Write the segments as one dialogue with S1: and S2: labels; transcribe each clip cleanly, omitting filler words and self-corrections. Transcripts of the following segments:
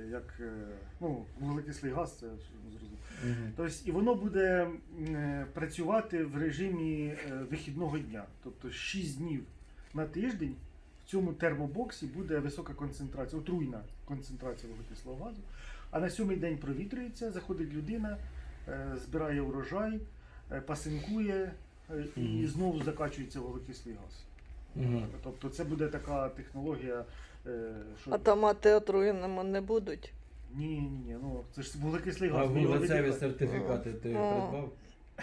S1: як ну, вуглекислий газ, це зрозуміло. Тобто, і воно буде працювати в режимі вихідного дня. Тобто 6 днів на тиждень в цьому термобоксі буде висока концентрація, отруйна концентрація вуглекислого газу. А на 7-й день провітрюється, заходить людина, збирає урожай, пасинкує і знову закачується вуглекислий газ. Тобто це буде така технологія. Що...
S2: А томати отруєними не будуть?
S1: Ні, ну це ж вуглекислий газ.
S3: А вуглецеві сертифікати ти придбав?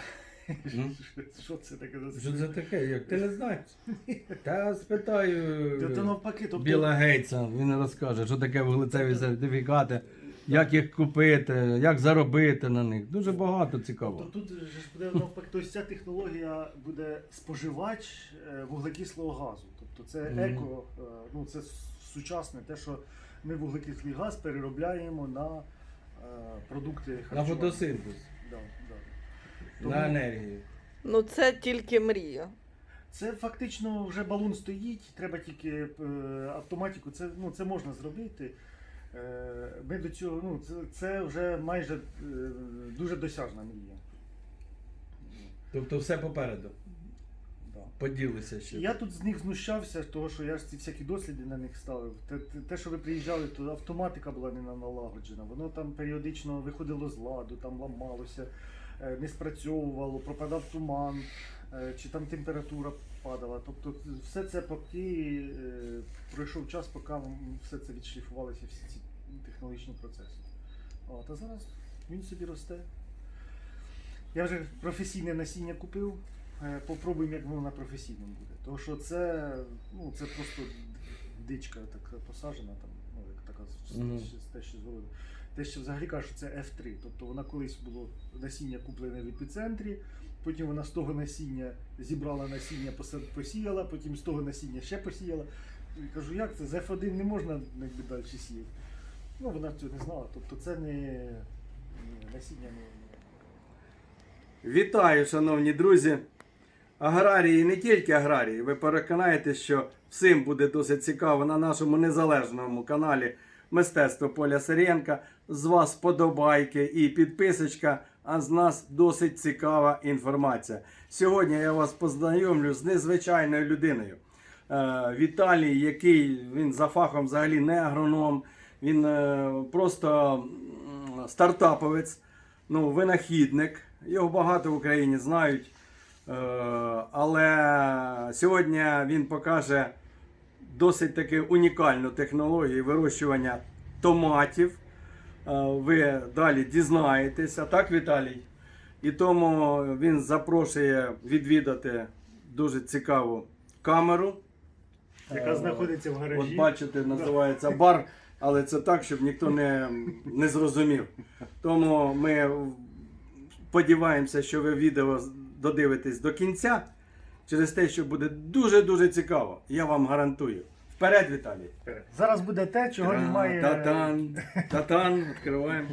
S1: Що це таке?
S3: Що це таке? Як ти не знаєш? Та спитаю
S1: Це навпаки, тобто...
S3: Біла Гейтса, він розкаже, що таке вуглецеві сертифікати, як їх купити, як заробити на них. Дуже багато цікаво.
S1: Тобто тут ж буде навпаки, тобто ця технологія буде споживач вуглекислого газу. Тобто це еко, ну це сучасне, те, що ми вуглекислий газ переробляємо на продукти харчування.
S3: На фотосинтез,
S1: Тому
S3: на енергію.
S2: Ну це тільки мрія.
S1: це фактично вже балон стоїть, треба тільки автоматику, це можна зробити. Ми до цього, ну, це вже майже дуже досяжна мрія.
S3: Тобто все попереду.
S1: Да.
S3: Поділися ще.
S1: Я тут з них знущався, того, що я ж ці всякі досліди на них ставив. Те, що ви приїжджали, то автоматика була не налагоджена, воно там періодично виходило з ладу, там ламалося, не спрацьовувало, пропадав туман, чи там температура падала. Тобто все це поки пройшов час, поки все це відшліфувалося, всі ці технологічні процеси. А зараз він собі росте. Я вже професійне насіння купив. Попробуємо, як воно на професійному буде. Тому що це просто дичка така посаджена, там, ну, як така те, що згороду. Те, що взагалі кажуть, що це F3. Тобто вона колись було насіння куплене в епіцентрі, потім вона з того насіння зібрала насіння, посіяла, потім з того насіння ще посіяла. І кажу, як це? З F1 не можна далі сіяти. Ну, вона цього не знала. Тобто це не насіння не...
S3: Вітаю, шановні друзі! Аграрії, не тільки аграрії, ви переконаєтесь, що всім буде досить цікаво на нашому незалежному каналі Мистецтво Поля Сирієнка. З вас подобайки і підписочка, а з нас досить цікава інформація. Сьогодні я вас познайомлю з незвичайною людиною. Віталій, який він за фахом взагалі не агроном, він просто стартаповець, ну, винахідник. Його багато в Україні знають. Але сьогодні він покаже досить таки унікальну технологію вирощування томатів. Ви далі дізнаєтеся, так, Віталій? І тому він запрошує відвідати дуже цікаву камеру.
S1: Яка знаходиться в гаражі.
S3: От бачите, називається бар, але це так, щоб ніхто не зрозумів. Тому ми сподіваємося, що ви відео додивитесь до кінця, через те, що буде дуже-дуже цікаво. Я вам гарантую. Вперед, Віталій!
S1: Зараз буде те, чого немає.
S3: Татан, татан, відкриваємо.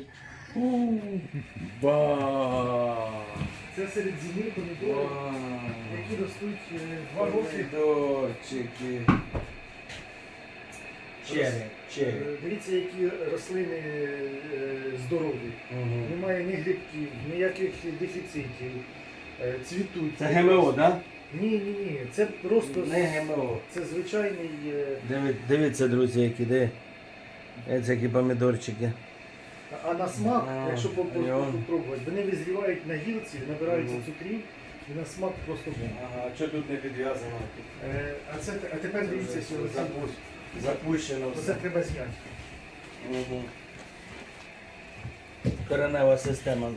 S3: Ба!
S1: Це серед зими помідори, які ростуть 2 роки.
S3: Помідорчики. Черри.
S1: Дивіться, які рослини здорові. Немає ні грибків, ніяких дефіцитів. Цвітуть.
S3: Це ГМО, так? Да?
S1: Ні. Це просто
S3: Не ГМО.
S1: це звичайний.
S3: Дивіться, друзі, які помідорчики.
S1: А на смак, якщо попробувати, вони визрівають на гілці, набираються цукрів і на смак просто бомба.
S3: Ага, що тут не підв'язано?
S1: А тепер дивіться, що
S3: Запущено
S1: це
S3: все.
S1: треба зняти.
S3: Угу. Коренева система.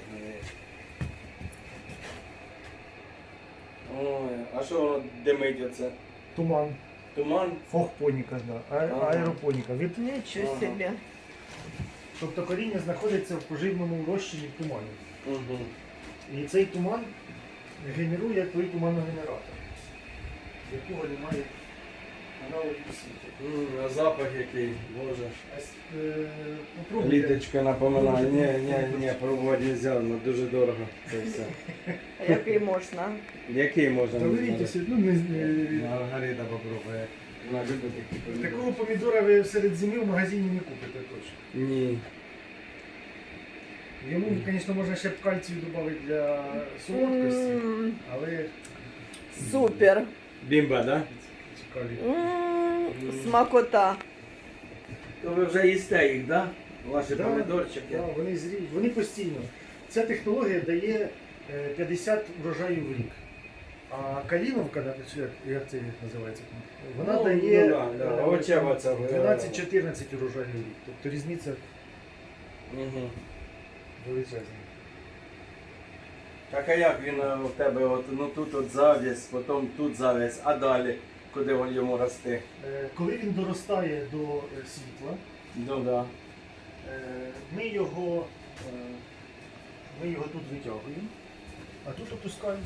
S3: Ой, а що воно димить оце?
S1: Туман.
S3: Туман?
S1: Фохпоніка, да. Аеропоніка.
S2: Нічого собі.
S1: Тобто коріння знаходиться в поживному розчині в тумані.
S3: Угу.
S1: І цей туман генерує той туманогенератор, якого немає аналогів у світі.
S3: А запах який, боже.
S1: Попробуйте.
S3: Літочка напоминає. Ні, пробувати не можна, дуже дорого це все.
S2: Який можна?
S3: Який можна?
S1: Та беріть, ну не...
S3: Маргарита попробує. Вона любить такі помідори.
S1: Такого помідора ви серед зими в магазині не купите точно.
S3: Ні.
S1: Йому, звісно, можна ще б кальцію додати для солодкості, але
S2: Супер.
S3: Бімба, да?
S1: цікаві.
S2: Смакота.
S3: То ви вже їсте їх, да? Ваші
S1: Да,
S3: помідорчики.
S1: Да, вони постійно. Ця технологія дає 50 врожаїв в рік. А каліновка, як це називається, вона
S3: Ну,
S1: дає
S3: ну, да, овочева ця,
S1: 12-14 урожаїв в рік. Тобто різниця
S3: Угу.
S1: величезна.
S3: Так а як він у тебе, от, ну тут от зав'язь, потім тут зав'язь, а далі куди він йому рости?
S1: Коли він доростає до світла,
S3: Ну да.
S1: ми його тут витягуємо, а тут опускаємо.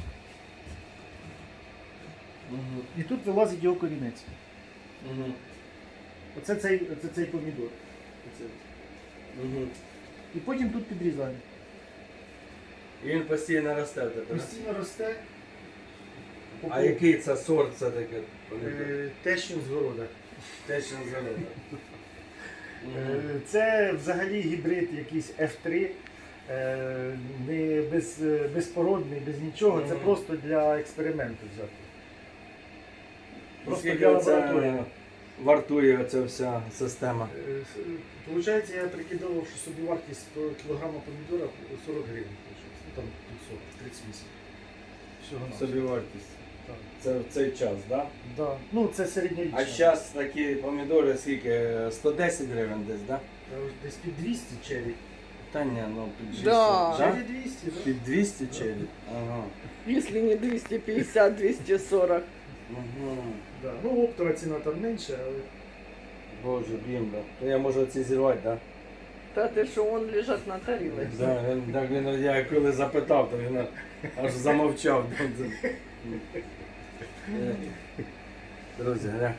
S3: Угу.
S1: І тут вилазить його корінець.
S3: Угу.
S1: Оце цей помідор. Оце.
S3: Угу.
S1: І потім тут підрізаємо.
S3: І він постійно росте в тебе, да?
S1: Постійно росте.
S3: А який це сорт це таке?
S1: Тещин з города.
S3: Те, що зелено.
S1: Це взагалі гібрид якийсь F3. Не безпородний, без нічого. Це
S3: Мгм.
S1: просто для експерименту взяти. Просто
S3: Скільки
S1: для
S3: оце
S1: лабораторії.
S3: вартує оця вся система?
S1: Получається, я прикидав, що собівартість кілограма помідора 40 гривень. Получається. Ну, там тут 40, 38. Всього на
S3: Собівартість.
S1: Так.
S3: Це в цей час, так? Да?
S1: Да. Ну, це середньорічна.
S3: А зараз такі помідори скільки? 110 гривень десь, так?
S1: Та ось десь під 200 черрі.
S3: Та ні, ну під 200.
S2: Да.
S1: Черрі 200, так?
S3: Під 200 черрі? Ага.
S2: Если не 250, 240.
S3: Угу.
S1: Да. Ну, оптова ціна там менше, але
S3: Боже, бімба. То я можу оці зірвати, так?
S2: Та ти що, вон лежать на тарілці.
S3: Да, так він, я коли запитав, то він аж замовчав. Друзі, гля.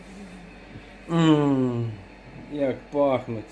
S3: Як пахнуть.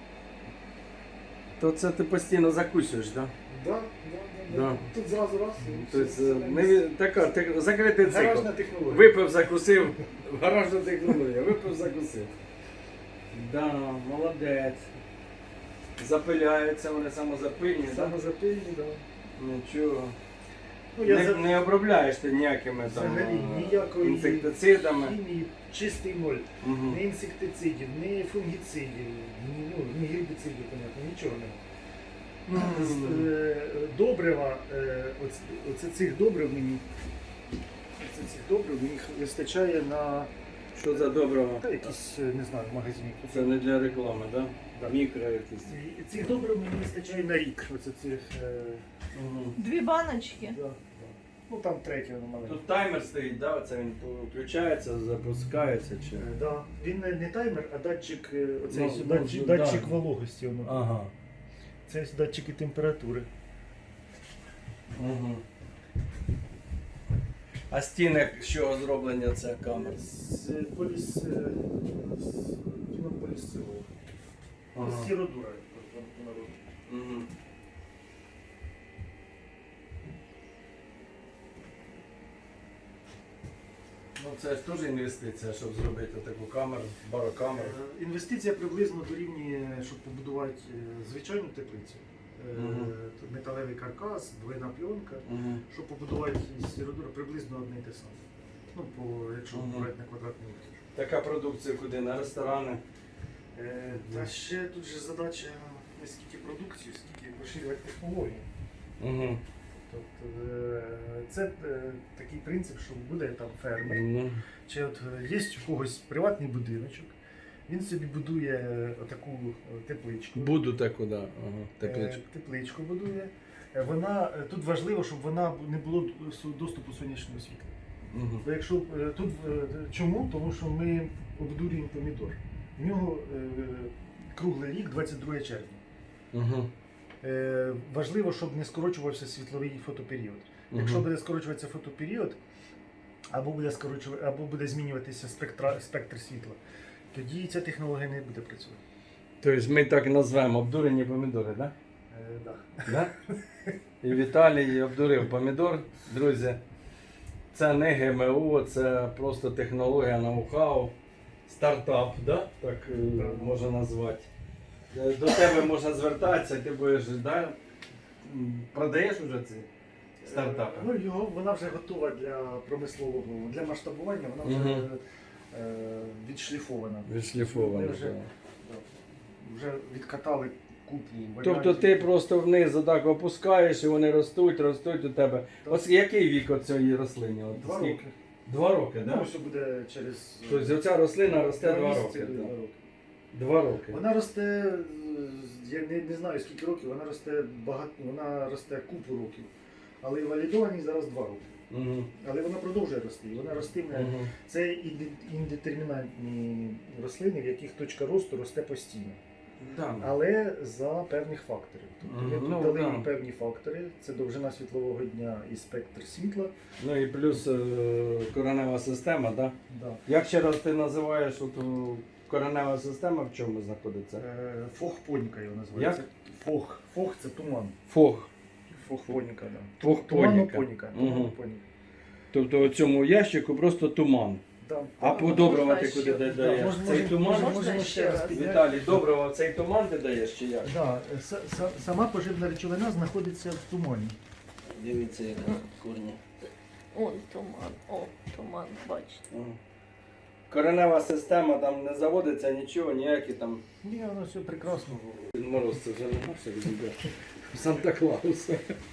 S3: То це ти постійно закусуєш, так?
S1: да.
S3: Да.
S1: Тут зразу раз. і
S3: Тобто,
S1: все.
S3: така, закритий цикл.
S1: Гаражна технологія.
S3: Випив, закусив, гаражна технологія, випив, закусив. Да, молодець. Запиляються, вони самозапильні, так?
S1: Самозапильні, да.
S3: Нічого.
S1: Ну, я
S3: Не, не обробляєш ти ніякими там
S1: взагалі ніякої
S3: інсектицидами.
S1: хімії, чистий ноль.
S3: Угу.
S1: Ні інсектицидів, ні фунгіцидів, ні гербіцидів, понятно, нічого немає. Добрива, оце цих добрив мені вистачає на
S3: Що за доброго?
S1: якісь, не знаю, в магазині.
S3: Це не для реклами, так?
S1: Да.
S3: Мікро якісь.
S1: І цих добрив мені вистачає на рік. Оце цих,
S3: Угу.
S2: 2 баночки.
S1: да. Ну там третє воно маленьке.
S3: Тут таймер стоїть, да? Це він включається, запускається чи.
S1: Да. Він не таймер, а датчик, оцей
S3: Ну,
S1: датчик,
S3: ну,
S1: датчик
S3: да.
S1: вологості. Воно.
S3: Ага.
S1: Це датчики температури.
S3: Угу. А стіни з чого зроблення це камер?
S1: З полістиролу.
S3: Ага.
S1: Сіродура.
S3: Угу. Ну це ж теж інвестиція, щоб зробити таку камеру, барокамеру.
S1: Інвестиція приблизно дорівнює, щоб побудувати звичайну теплицю.
S3: Мгм.
S1: Тут металевий каркас, двойна пленка.
S3: Угу.
S1: Щоб побудувати сіродура, приблизно одне й те саме. Ну, якщо
S3: Мгм.
S1: брати на квадратний метр.
S3: Така продукція куди? На ресторани?
S1: Та ще тут же задача не скільки продукції, скільки поширювати технології.
S3: Угу.
S1: Тобто це такий принцип, що буде там фермер.
S3: Ну,
S1: Чи от є у когось приватний будиночок, він собі будує таку тепличку.
S3: буду таку, да. Ага. Тепличку.
S1: Тепличку будує. Тут важливо, щоб вона не було доступу сонячного світла.
S3: Угу.
S1: Бо якщо тут чому? Тому що ми обдурюємо помідор. В нього круглий рік, 22 червня.
S3: Угу.
S1: Важливо, щоб не скорочувався світловий фотоперіод. Якщо буде скорочуватися фотоперіод, або буде змінюватися спектр світла, тоді ця технологія не буде працювати.
S3: Тобто ми так назвемо обдурені помідори, так?
S1: Да.
S3: Да? І Віталій обдурив помідор. Друзі, Це не ГМО, це просто технологія, ноу-хау, стартап, да? Так можна назвати. До тебе можна звертатися, ти будеш, да? Продаєш вже ці стартапи?
S1: Ну, вона вже готова для промислового, для масштабування, вона вже
S3: Мгм.
S1: відшліфована.
S3: Відшліфовано.
S1: Ми вже відкатали купу варіантів.
S3: Тобто ти просто вниз отак опускаєш і вони ростуть у тебе.
S1: Так.
S3: Ось який вік от цієї рослини? От
S1: 2
S3: скільки?
S1: роки.
S3: 2 роки,
S1: Ну,
S3: так?
S1: ось буде через
S3: Тобто ця рослина росте 2
S1: місяці
S3: роки.
S1: буде
S3: так?
S1: 2 роки.
S3: 2 роки.
S1: Вона росте, я не знаю скільки років, вона росте вона росте купу років. Але валідовані зараз 2 роки.
S3: Угу.
S1: Але вона продовжує рости. І вона ростиме.
S3: Угу.
S1: Це індетермінантні рослини, в яких точка росту росте постійно.
S3: Да.
S1: Але за певних факторів. Тобто ми тут
S3: Ну,
S1: дали
S3: да.
S1: їй певні фактори. Це довжина світлового дня і спектр світла.
S3: Ну і плюс коренева система, да?
S1: Да.
S3: Як ще раз ти називаєш от, коренева система, в чому знаходиться?
S1: Фохпоніка його називається. Фох це туман.
S3: Фог.
S1: Фохпоніка, да.
S3: Фохпоніка.
S1: Туманопоніка.
S3: Мгм.
S1: Туманопоніка.
S3: Тобто у цьому ящику просто туман.
S1: Да.
S3: А подобрувати
S2: Можна
S3: куди
S2: ще-
S3: ти
S1: Да,
S3: даєш? Цей туман?
S2: Можна ще раз?
S1: підняти.
S3: Віталій, доброго, цей туман ти даєш чи як?
S1: Да, сама поживна речовина знаходиться в тумані.
S3: Дивіться, яка корні.
S2: Он туман, о, туман, бачите.
S3: Коренева система там не заводиться нічого, ніякі там.
S1: Ні, воно все прекрасно.
S3: Мороз це вже не наше відійде. Санта-Клауса.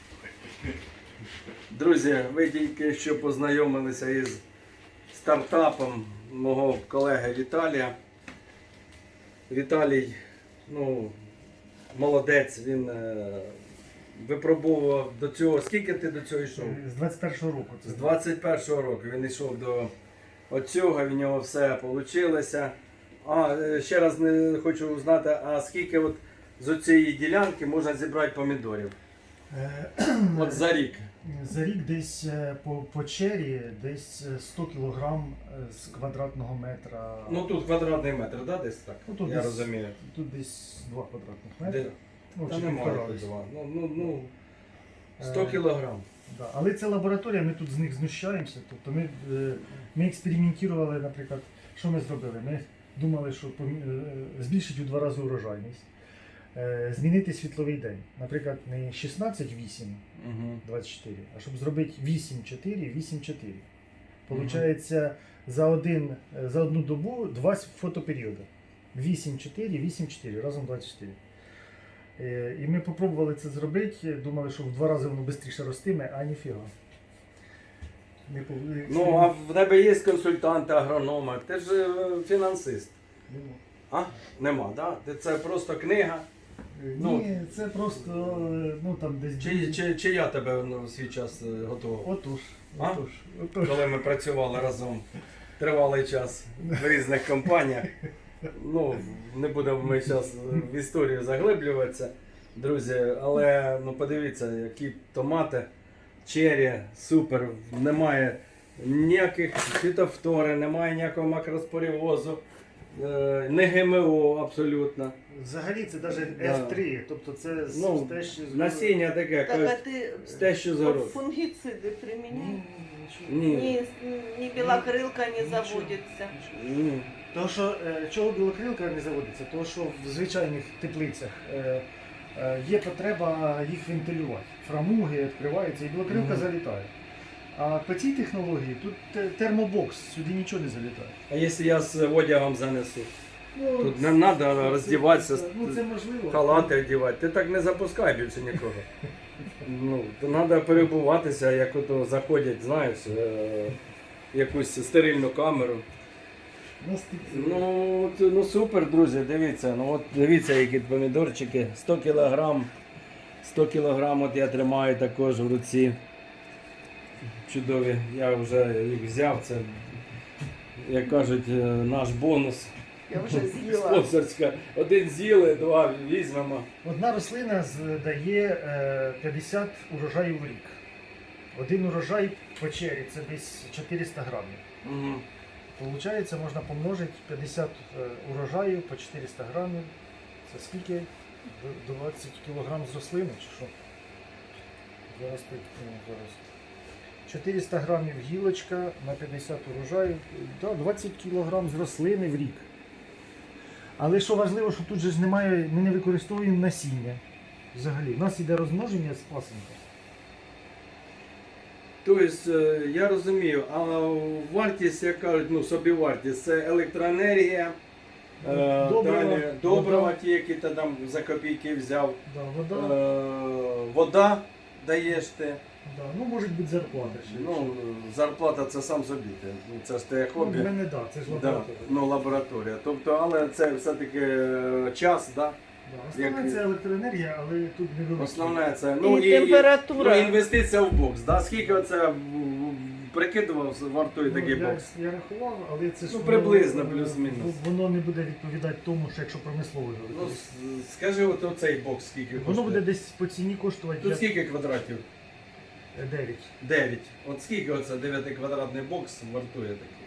S3: Друзі, ви тільки що познайомилися із стартапом мого колеги Віталія. Віталій, ну, молодець, він випробовував до цього. Скільки ти до цього йшов?
S1: З 21-го року.
S3: З 21-го року він йшов до оцього, в нього все вийшло. Ще раз не хочу узнати, а скільки от з цієї ділянки можна зібрати помідорів? От за рік.
S1: За рік десь по чері десь 100 кг з квадратного метра.
S3: Ну тут квадратний метр, да, десь так?
S1: Ну, тут
S3: Я
S1: десь-
S3: розумію.
S1: Тут десь 2 квадратних метри.
S3: Де?
S1: Ну,
S3: Та
S1: чи
S3: немає
S1: півтора
S3: тут
S1: десь.
S3: два. Ну, 100
S1: Е,
S3: кілограм.
S1: Да. Але це лабораторія, ми тут з них знущаємося. Тобто ми експериментували, наприклад, що ми зробили? Ми думали, що збільшити у 2 рази урожайність, змінити світловий день. Наприклад, не 16-8,
S3: Угу.
S1: 24, а щоб зробити 8-4, 8-4. Получається за одну добу 2 фотоперіоди. 8-4, 8-4, разом 24. І ми спробували це зробити, думали, що в 2 рази воно швидше ростиме, а ніфіга.
S3: Ну, а в тебе є консультанти, агрономи, ти ж фінансист. А? Нема, так? Да? Це просто книга. ну,
S1: Ні, це просто, ну там десь...
S3: Чи я тебе в свій час готував?
S1: Отож.
S3: А?
S1: Отож.
S3: Коли ми працювали разом тривалий час в різних компаніях. Ну, не будемо ми зараз в історію заглиблюватися, друзі, але ну, подивіться, які томати, чері, супер, немає ніяких фітофтори, немає ніякого макроспорівозу, не ГМО абсолютно.
S1: Взагалі це навіть
S3: Да.
S1: F3, тобто це
S3: Ну,
S1: те, що...
S3: насіння таке,
S2: Так, а ти
S3: те, що за
S2: от фунгициди приміняєш?
S3: Ні.
S2: Ні білокрилка не заводиться.
S3: Ні.
S1: Тому що, чого білокрилка не заводиться? Тому що в звичайних теплицях є потреба їх вентилювати. Фрамуги відкриваються і білокрилка
S3: Мгм.
S1: залітає. А по цій технології тут термобокс, сюди нічого не залітає.
S3: А якщо я з одягом занесу?
S1: Ну,
S3: Тут не треба роздіватися,
S1: Ну це можливо.
S3: халати одягати. Ти так не запускай більше нікого. Ну, то треба перебуватися, як ото заходять, знаєш, якусь стерильну камеру.
S1: Нас тут,
S3: Ну супер, друзі, дивіться. Ну от дивіться, які помідорчики. 100 кілограм. 100 кілограм от я тримаю також в руці. Чудові. Я вже їх взяв. Це, як кажуть, наш бонус.
S2: Я вже з'їла.
S3: Спонсорська. Один з'їли, 2 візьмемо.
S1: одна рослина дає 50 урожаїв в рік. Один урожай по чері це десь 400 грамів.
S3: Угу.
S1: Получається, можна помножити 50 урожаїв по 400 грамів. Це скільки? 20 кілограм з рослини чи що? Зараз. 400 грамів гілочка на 50 урожаю, да, 20 кг з рослини в рік. Але що важливо, що тут же ж немає, ми не використовуємо насіння. Взагалі, у нас йде розмноження з пасинка.
S3: Тобто, я розумію, а вартість, як кажуть, ну, собівартість, це електроенергія,
S1: Добрива,
S3: далі добрива,
S1: вода.
S3: ті, які ти там за копійки взяв,
S1: Да, вода,
S3: вода даєш ти.
S1: да, ну може бути зарплата ще.
S3: Ну, зарплата це сам собі, це ж те
S1: ну,
S3: хобі.
S1: в мене да, це ж
S3: Да,
S1: лабораторія.
S3: ну, лабораторія. Тобто, але це все-таки час, да?
S1: Да, основна
S3: як-
S1: це електроенергія, але тут невелика.
S3: Основне це.
S2: І температура.
S3: Ну, інвестиція в бокс. Да? Скільки оце прикидував, вартує такий
S1: я,
S3: бокс?
S1: я рахував, але це ж
S3: Ну,
S1: воно,
S3: приблизно, плюс-мінус.
S1: Воно не буде відповідати тому, що якщо промислово його
S3: Ну,
S1: використовувати.
S3: скажи, от оцей бокс скільки коштує?
S1: Воно буде десь по ціні коштувати
S3: Тут скільки квадратів?
S1: 9.
S3: 9. От скільки оце 9-квадратний бокс вартує такий?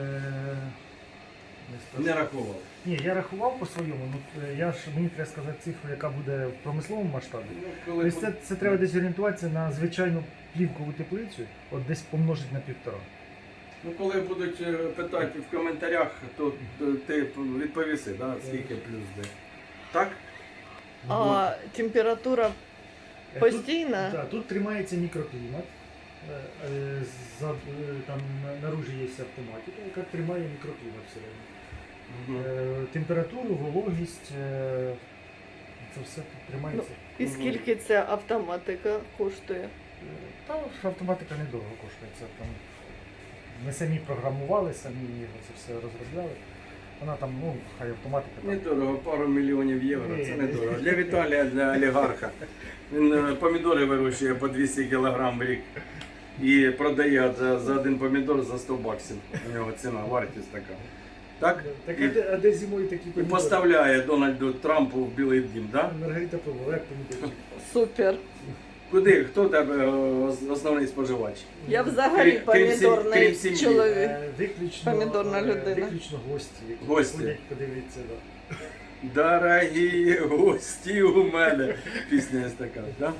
S3: Не рахував.
S1: Ні, я рахував по своєму, ну мені треба сказати цифру, яка буде в промисловому масштабі.
S3: Ну, коли
S1: Тобто це треба десь орієнтуватися на звичайну плівкову теплицю, от десь помножити на 1,5.
S3: Ну, коли будуть питати в коментарях, то ти відповіси, да? Скільки плюс де. Так?
S2: А температура постійна?
S1: Тут, тут тримається мікроклімат. Там наружі є автоматика, яка тримає мікроклімат всередині. Температуру, вологість, це все тут тримається.
S2: І скільки ця автоматика коштує?
S1: Та автоматика недорого коштує. Це там ми самі програмували, самі його це все розробляли. Вона там, ну, хай автоматика там.
S3: Недорого, пару мільйонів євро,
S1: Ні.
S3: це недорого. Для Віталія, для олігарха. Він помідори вирощує по 200 кг в рік і продає за один помідор за 100 баксів. У нього ціна, вартість така. Так?
S1: Так,
S3: І,
S1: а де зимою такі
S3: і
S1: помідори?
S3: поставляє Дональду Трампу в Білий дім, так?
S1: Маргарита Павлова, як помідорчик?
S2: Супер.
S3: Куди? Хто тебе основний споживач?
S2: Я взагалі
S3: Крім
S2: помідорний
S3: сім'ї.
S2: чоловік.
S1: Виключно,
S2: Помідорна людина.
S1: Виключно гості, які
S3: Гості.
S1: ходять подивитися. Да.
S3: Дорогі гості у мене. Пісня є така, так?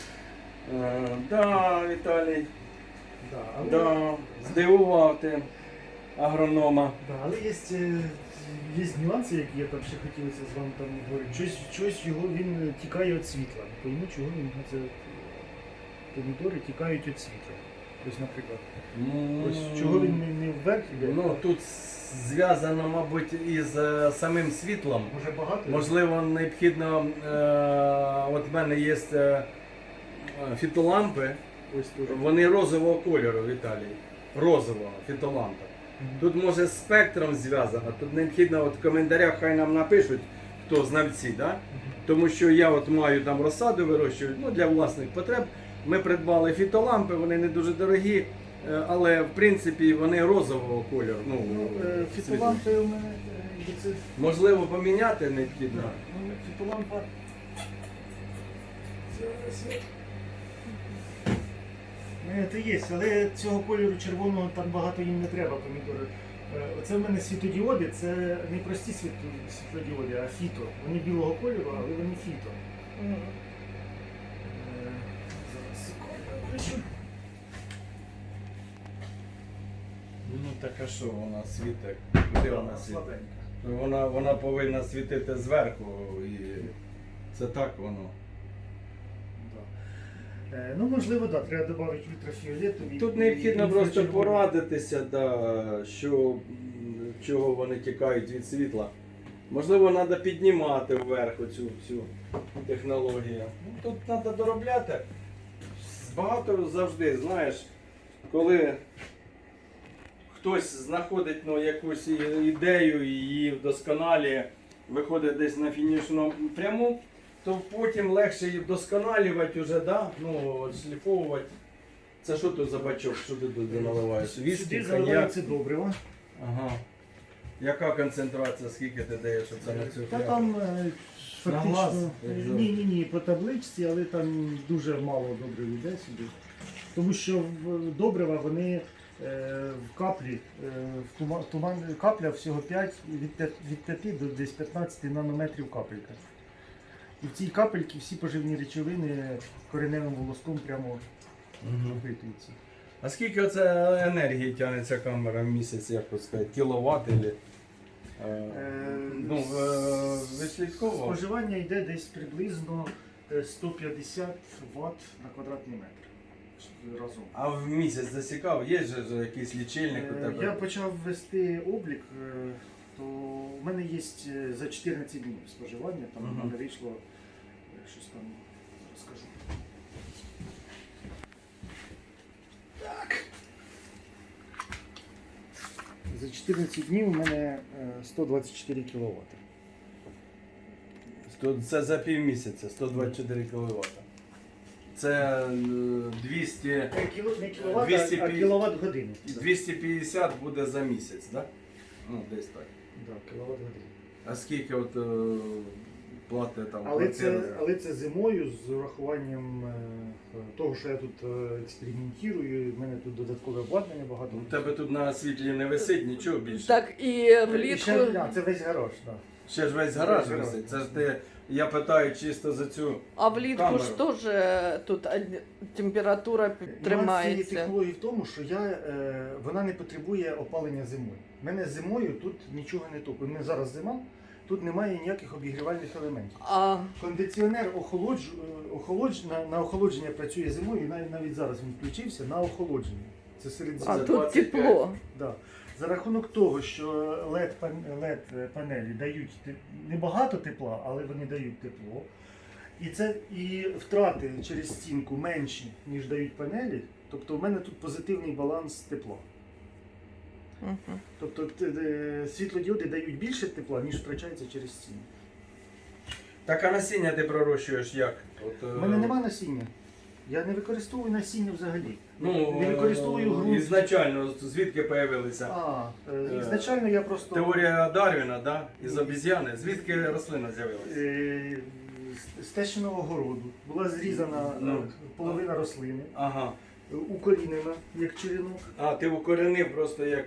S3: Да, Віталій.
S1: Да, але,
S3: Да, здивував ти агронома.
S1: да, але є нюанси, які я там ще хотілося з вами там говорити. Щось його він тікає від світла. Не пойму, чого він це помідори тікають від світла. Ось, наприклад. Ось чого він не вверх іде?
S3: Ну, тут зв'язано, мабуть, із самим світлом.
S1: Може багато?
S3: Можливо, необхідно, от в мене є фітолампи,
S1: Ось теж.
S3: вони розового кольору, Віталій. Розового фітолампа. Тут може з спектром зв'язано, тут необхідно от в коментарях хай нам напишуть, хто знавці, да? Тому що я от маю там розсаду вирощую, ну, для власних потреб. Ми придбали фітолампи, вони не дуже дорогі, але в принципі вони розового кольору. Ну,
S1: Фітолампи у мене це.
S3: можливо, поміняти необхідно.
S1: Ну, фітолампа. Зараз я. Це є, але цього кольору червоного там багато їм не треба помідори. Оце в мене світодіоди, це не прості світлодіоди, а фіто. Вони білого кольору, але вони фіто. Зараз секунду включу.
S3: Ну так а що вона світить? Куди вона світить?
S1: Слабенька.
S3: Вона повинна світити зверху і це так воно.
S1: Ну, можливо, так, треба додати ультрафіолету.
S3: Тут необхідно просто порадитися, да, чого вони тікають від світла. Можливо, треба піднімати вверх цю всю технологію. Ну, тут треба доробляти. Багато завжди, знаєш, коли хтось знаходить якусь ідею і її вдосконалює, виходить десь на фінішну пряму, то потім легше її вдосконалювати вже, да? Ну, шліфовувати. Це що тут за бачок? Що ти тут наливаєш? Віскі,
S1: Сюди
S3: коньяк?
S1: заливається добриво.
S3: Ага. Яка концентрація, скільки ти даєш оце на цю
S1: Та
S3: фляжку?
S1: там
S3: На глаз,
S1: фактично
S3: як завжди.
S1: ні, по табличці, але там дуже мало добрив йде сюди. Тому що добрива вони в каплі, капля всього 5, від 5 до десь 15 нанометрів капелька. І в цій капельці всі поживні речовини кореневим волоском прямо впитуються.
S3: А скільки оце енергії тягне ця камера в місяць, як от сказати, кіловат или? Ви слідково?
S1: Споживання йде десь приблизно 150 Вт на квадратний метр разом.
S3: А в місяць засікав? Є же якийсь лічильник у тебе?
S1: Я почав вести облік, то в мене є за 14 днів споживання, там в мене вийшло щось там, зараз скажу. Так. За 14 днів у мене 124 кВт.
S3: Це за півмісяця, 124 кВт. Це 200,
S1: Не кВт,
S3: 250
S1: а кВт години.
S3: 250 буде за місяць, так? Да? Ну, десь так.
S1: Да, кВт години.
S3: А скільки от плати там?
S1: Але це зимою з урахуванням того, що я тут експериментую, в мене тут додаткове обладнання багато.
S3: У тебе тут на світлі не висить нічого більше.
S2: Так і
S1: І
S2: влітку.
S1: ще, це весь гараж, так.
S3: Ще ж весь гараж
S1: Весь
S3: висить. Це
S1: гараж.
S3: ж ти, я питаю чисто за цю.
S2: А влітку
S3: камеру.
S2: ж теж тут температура
S1: Нюанс цієї
S2: тримається.
S1: технології в тому, що вона не потребує опалення зимою. У мене зимою тут нічого не топить. У мене зараз зима, тут немає ніяких обігрівальних елементів.
S2: А
S1: Кондиціонер на охолодження працює зимою, і навіть зараз він включився на охолодження. Це серед
S2: А
S1: зими.
S2: тут
S3: 25.
S2: тепло.
S1: Да. За рахунок того, що LED панелі дають небагато тепла, але вони дають тепло. І втрати через стінку менші, ніж дають панелі. Тобто в мене тут позитивний баланс тепла.
S2: Мгм.
S1: Тобто світлодіоди дають більше тепла, ніж втрачається через стіну.
S3: Так, а насіння ти пророщуєш як?
S1: У мене немає насіння. Я не використовую насіння взагалі.
S3: Ну,
S1: не використовую ґрунт.
S3: ізначально, звідки появилися?
S1: Ізначально я просто...
S3: Теорія Дарвіна, да? Із обіз'яни. Звідки рослина з'явилася?
S1: З тещиного городу. Була зрізана
S3: Ну.
S1: половина рослини,
S3: Ага.
S1: укорінена, як черенок.
S3: А, ти укоренив просто як.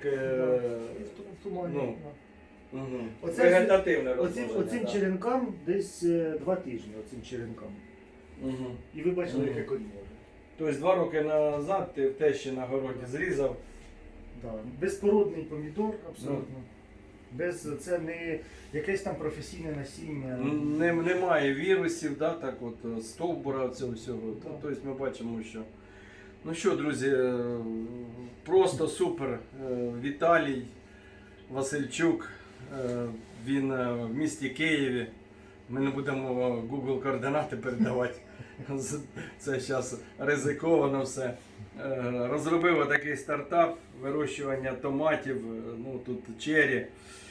S1: В тумані.
S3: ну.
S1: Да.
S3: Угу.
S1: Оце-
S3: Вегетативне
S1: Оцим
S3: розмноження. Да.
S1: черенкам десь 2 тижні, оцим черенкам.
S3: Угу.
S1: І ви бачили,
S3: Мгм.
S1: яке коріння.
S3: Тобто 2 роки назад ти в тещі на городі зрізав.
S1: Да. Безпородний помідор, абсолютно. Це не якесь там професійне насіння.
S3: Немає вірусів, да, так от, стовбура цього всього.
S1: Так.
S3: Тобто ми бачимо, що. Ну що, друзі, просто супер. Віталій Васильчук, він в місті Києві. Ми не будемо Google координати передавати. Це зараз ризиковано все. Розробив такий стартап вирощування томатів, ну тут чері,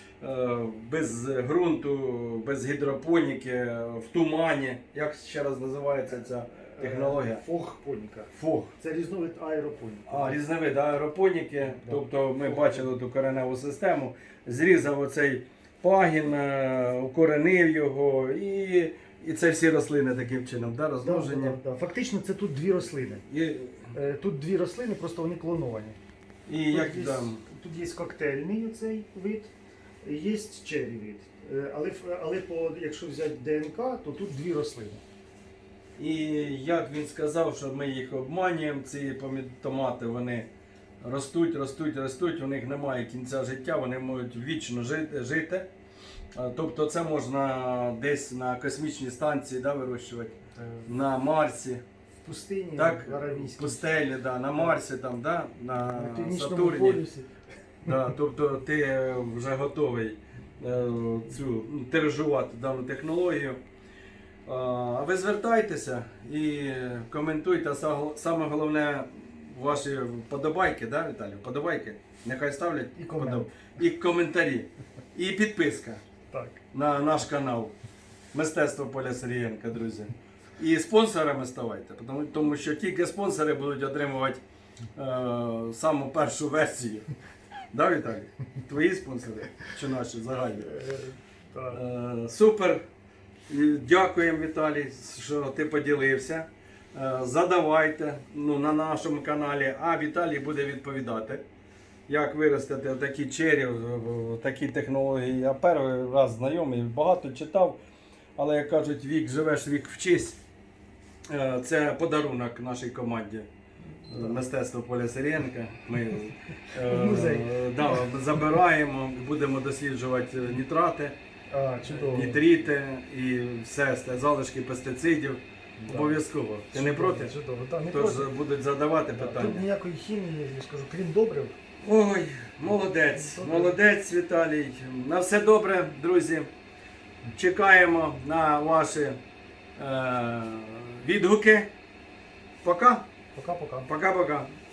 S3: без ґрунту, без гідропоніки, в тумані. Як ще раз називається ця технологія?
S1: Фог-поніка.
S3: Фог.
S1: Це різновид аеропоніки.
S3: Різновид аеропоніки. Тобто ми бачили ту кореневу систему, зрізав оцей пагін, укоренив його і це всі рослини таким чином, да, розмноження.
S1: Да. Фактично це тут 2 рослини. Тут 2 рослини, просто вони клоновані.
S3: І як
S1: Тут є,
S3: там.
S1: тут є коктейльний цей вид, є черрі вид. Але якщо взяти ДНК, то тут 2 рослини.
S3: І як він сказав, що ми їх обманюємо, ці томати, вони ростуть, у них немає кінця життя, вони можуть вічно жити. Тобто це можна десь на космічній станції, да, вирощувати, на Марсі,
S1: В пустині,
S3: так,
S1: в
S3: в
S1: Аравійській.
S3: пустелі, да, на Марсі, там, да,
S1: На
S3: на
S1: Північному
S3: Сатурні.
S1: полюсі.
S3: Да, тобто ти вже готовий тиражувати дану технологію. А ви звертайтеся і коментуйте. Саме головне ваші вподобайки, да, Віталій? Вподобайки. Нехай ставлять
S1: І комент.
S3: і коментарі. І підписка
S1: Так.
S3: на наш канал Мистецтво Поля Сергієнка, друзі. І спонсорами ставайте, тому що тільки спонсори будуть отримувати саму першу версію. Да, Віталій? Твої спонсори чи наші загальні?
S1: Так.
S3: Супер. Дякуємо, Віталій, що ти поділився. Задавайте на нашому каналі, а Віталій буде відповідати, як виростити такі чері, такі технології. Я перший раз знайомий, багато читав, але як кажуть, вік живеш, вік вчись. Це подарунок нашій команді. мистецтво Поля Сиренка. Ми
S1: Музей.
S3: забираємо, будемо досліджувати нітрати,
S1: Чудово.
S3: нітрити і все, залишки пестицидів.
S1: Да.
S3: Обов'язково. Ти не проти?
S1: Чудово, так, не
S3: Тож
S1: проти.
S3: будуть задавати
S1: Да,
S3: питання.
S1: Тут ніякої хімії, я скажу, крім добрив.
S3: Ой, молодець, молодець, Віталій. На все добре, друзі. Чекаємо на ваші відгуки. Пока.
S1: Пока-пока.
S3: Пока-пока.